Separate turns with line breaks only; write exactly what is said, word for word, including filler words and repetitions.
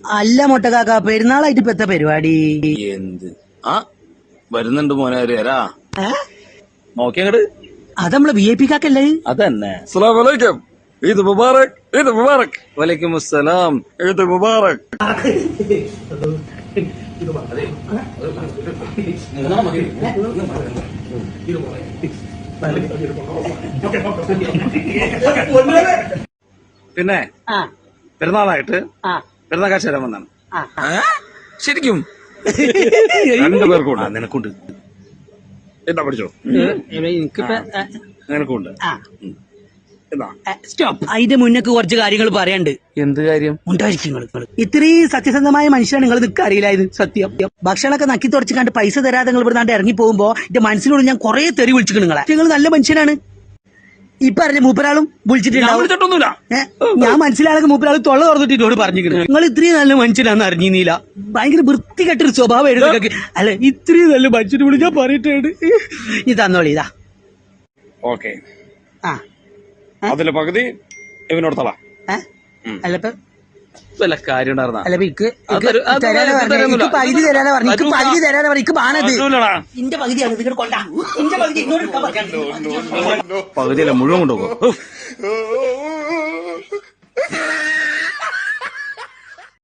അല്ല മൊട്ടക്കാക്ക പെരുന്നാളായിട്ട് ഇപ്പൊ എത്ര പരിപാടി
എന്ത് ആ വരുന്നുണ്ട് മോനെ വരാ നോക്കിയങ്ങട്
അത് നമ്മളെ വി ഐ പി കാക്കല്ലേ
അതന്നെ.
അസ്സലാമു അലൈക്കും. ഈദ് മുബാറക്. ഈദ് മുബാറക്.
വലൈക്കും അസ്സലാം.
ഈദ് മുബാറക്.
പിന്നെ പെരുന്നാളായിട്ട് പെരുന്നാൾ കാശ് തരാൻ വന്നാണ്.
ശരിക്കും രണ്ടു പേർക്കുണ്ട്.
നിനക്കുണ്ട്,
എന്താ പഠിച്ചോ?
എനിക്കിപ്പോ
നിനക്കുണ്ട്.
സ്റ്റോപ്പ്. അതിന്റെ മുന്നൊക്കെ കുറച്ച് കാര്യങ്ങൾ പറയാണ്ട്.
എന്ത് കാര്യം?
ഉണ്ടായിരിക്കും. ഇത്രയും സത്യസന്ധമായ മനുഷ്യനാണ് നിങ്ങൾ നിൽക്കുക അറിയില്ലായത്. സത്യം. ഭക്ഷണമൊക്കെ നക്കി തുടച്ച് കണ്ട് പൈസ തരാതെ നിങ്ങൾ ഇവിടെ ഇറങ്ങി പോകുമ്പോ എന്റെ മനസ്സിനോട് ഞാൻ കുറെ തെറി വിളിച്ചിട്ട് നിങ്ങളെ. നിങ്ങൾ നല്ല മനുഷ്യനാണ്. ഇപ്പൊ അറിഞ്ഞ മൂപ്പരാളും വിളിച്ചിട്ടുണ്ടാവും. ഞാൻ മനസ്സിലാണെങ്കിൽ മൂപ്പരാൾ തൊള്ള തുറന്നിട്ട് എന്നോട് പറഞ്ഞിരിക്കുന്നു നിങ്ങൾ ഇത്രയും നല്ല മനുഷ്യനാന്ന് അറിഞ്ഞില്ല. ഭയങ്കര വൃത്തികെട്ടൊരു സ്വഭാവം എഴുതി. അല്ല ഇത്രയും നല്ല മനുഷ്യനെ വിളി ഞാൻ പറഞ്ഞിട്ടുണ്ട്. ഈ തന്നോളി ഇതാ.
ഓക്കെ.
ആ
അതില് പകുതി ഇവനോട് തള.
അല്ലപ്പ
വല്ല കാര്യം ഉണ്ടായിരുന്ന
അല്ല ഇക്ക് തരാതെ പറഞ്ഞു. പകുതി തരാതെ പറഞ്ഞു. ഇക്ക് പകുതി തരാതെ പറഞ്ഞു. ഇക്ക് ബാണത് ഇന്റെ പകുതിയാണ്. ഇതിങ്ങോട്ട് കൊണ്ടാ ഇന്റെ പകുതി ഇങ്ങോട്ട്
പകുതിയല്ല മുഴുവൻ കൊണ്ടുപോകും.